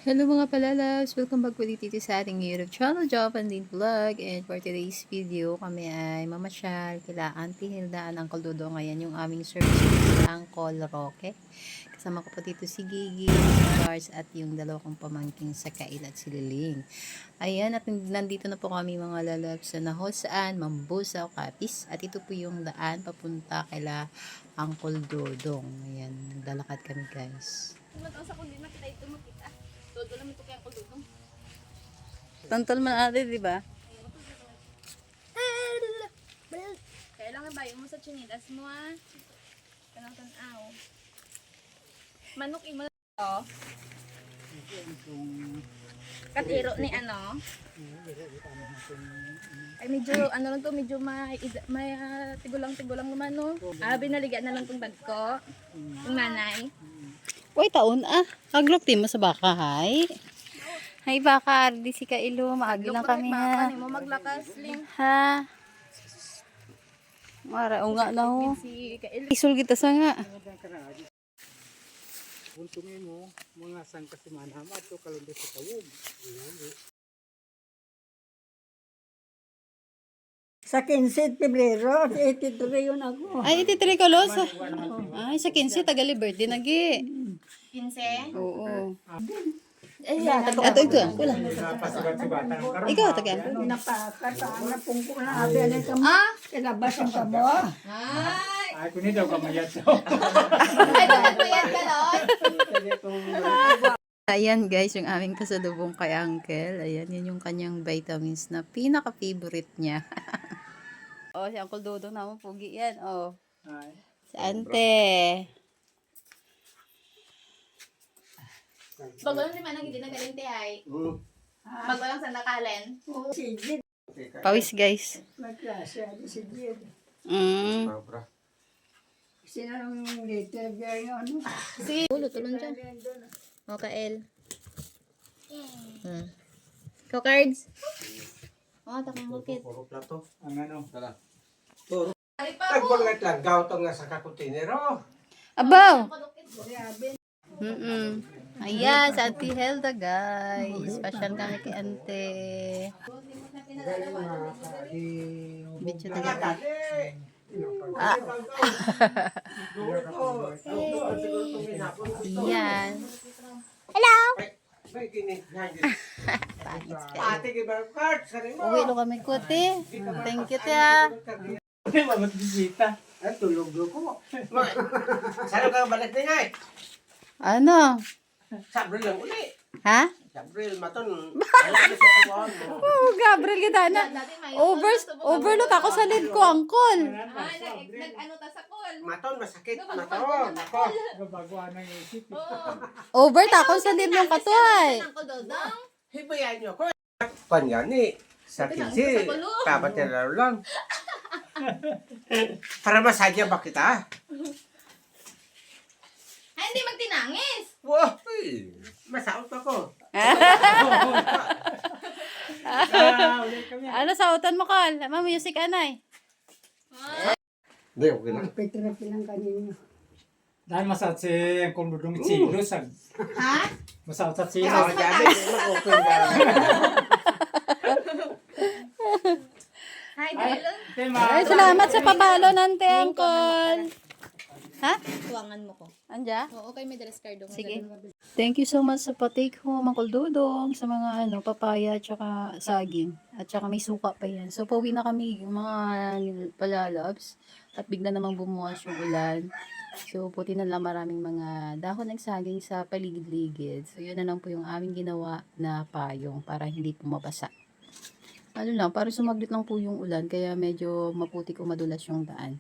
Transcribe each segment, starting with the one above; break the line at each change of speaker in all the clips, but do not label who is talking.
Hello mga palalabs! Welcome back ulit dito sa ating YouTube channel, Japan Din Vlog. And for today's video, kami ay mamasyal kila Auntie Hilda and Uncle Dodo. Ngayon yung aming service sa Uncle Roque. Kasama ko po dito si Gigi, si Charles at yung dalawa kong pamangking sa Kail at si Liling. Ayan, at nandito na po kami mga lalabs sa Nahosaan, Mambusaw, Kapis. At ito po yung daan papunta kila Uncle Dodong. Ayan, naglalakad kami guys.
Sa kundi makita ito makita. Todo lang ito kaya ko dudong.
Tantol man ate, di ba?
Kaya lang ibayo mo sa chinilas mo ah. Kanang tanaw. Manok imo to. Katiro ni ano? Ay medyo ano lang to, medyo may tigulang naman no. Binaligan na lang tong bag ko. Yung nanay.
Uy, taon Haglok din mo sa baka, hay. Hay baka, di si Kailo. Maagi lang kami ha.
Baka mo maglakas ling.
Ha? Mara, o nga na ho.
Si Kail.
Isul kita sa nga.
Untungin mo, mga sangka si Manhama ito kalunod sa tawog.
Sa 15 Pebrero, 83 yun ako.
Ay, ititiri ko los. Ay, sa 15, tagali birthday nagi.
15.
Oo.
Ato
ito. Wala.
Napasibat-sibatan ang karoon.
Ikaw, taga.
Napaka, saan na pungko na abi na ito mo. Kalabas ang tabo.
Ay!
Ay, kunin daw kamayat daw.
Ay, dapat mo yan galon.
Ayan guys, yung aming kasalubong kay Uncle. Ayan, yun yung kanyang vitamins na pinaka-favorite niya. Oh, si Uncle Dodo naman, pugi yan. Oh,
Ay,
si Ante.
Bago lang naman ang hindi nagalinti ay. Bago lang sa nakalen.
Si Jid,
Pawis guys.
magkasya. Si Jid.
Mm.
Sino yung later girl yung ano?
Si ulo, tulon dyan. O, Kael. Go cards. O, takong bukit.
Puro plato.
ang ano.
Ari pa mo.
Nagbulat lang gaw to nga sa kakutinero.
Abaw!
Grabe.
Ayan, sa Auntie Helda guys. Pasyal kami kay Ante. Bityo taga. Iyan.
May kinit nga
Pangit ka.
Ate gibar card sa rin mo.
Uwi lo kami ko, te. Thank you, te, ah.
Ay, mamat bisita.
Ay tulog ko. Saan ka balik din ay?
Ano?
Sabril lang uli.
Ha?
Sabril maton. Alam mo sa tawon mo.
Oh, Gabriel, kita na.
Dati may
Overload ako sa lid ko, Uncle.
Ay, nag-ano ta sa call.
Maton masakit
Bago
maton.
na
Ako.
Baguan ng isip.
Oo.
Over ako sa lid ng katuay.
Uncle Dodong.
Hibayan niyo ko. Panyani. Sa kinsi. Tapat niya laro lang. Para masadya ba kita?
Ay, hindi magtinangis.
Wow. Masaot ako.
Ulit kami.
Ano sa utan mo, Kal? Music, anay.
Hindi, okay lang.
Ang petrapi lang kanino.
Dahil masat si kung dudong chilo sa.
Ha?
Masat sa chilo.
Ako dyan. Mag-open ba?
Hi, Dylan.
Ay, salamat sa pabalo, nante, Uncle. Ha?
Tuwangan mo ko.
Anja?
Oo, kay may dress card.
Sige. Thank you so much sa pa-take home, Uncle Dodong, sa mga papaya at saka saging. At saka may suka pa yan. So, pauwi na kami, yung mga palalabs. At bigla namang bumuwas yung ulan. So, puti na lang maraming mga dahon ng saging sa paligid-ligid. So, yun na lang po yung aming ginawa na payong para hindi po mabasa. Ano lang, para sumaglit lang po yung ulan, kaya medyo maputik o madulas yung daan.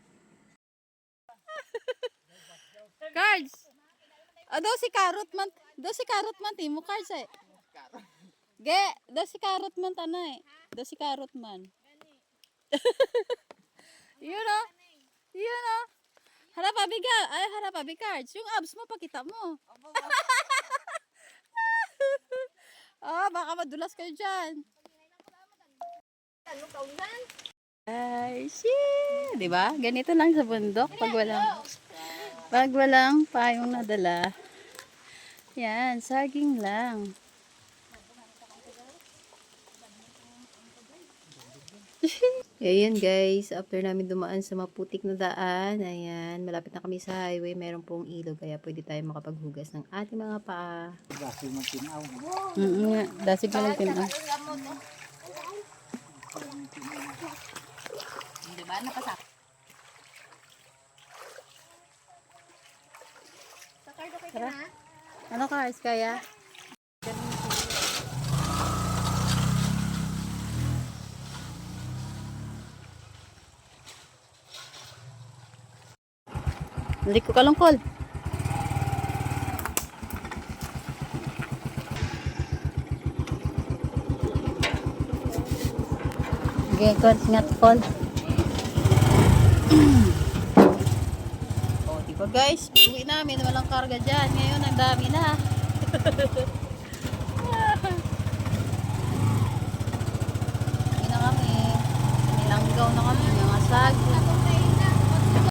Cards! Do si carrot man timo cards eh. Ge, do si carrot man tanay. Do si carrot man. Yun o. Yun o. Harap abi cards. Yung abs mo pakita mo. Baka madulas kayo dyan.
Ano kaulan?
Ay, shit. Diba? Ganito lang sa bundok pag walang payong nadala. Yan, saging lang. Ayan guys, after namin dumaan sa maputik na daan, ayan, malapit na kami sa highway, meron pong ilog, kaya pwede tayo makapaghugas ng ating mga paa.
Dahil magtinaw.
Nga, dasig na lang pinang.
Diba? Napasak. Sakar na kayo na.
Ano cars kaya? Balik ko kalungkol. Okay, ngat call. Oh, diba guys, uwi namin, walang karga dyan. Ngayon, ang dami na. Uwi na kami. Nilanggaw na kami, mga sag.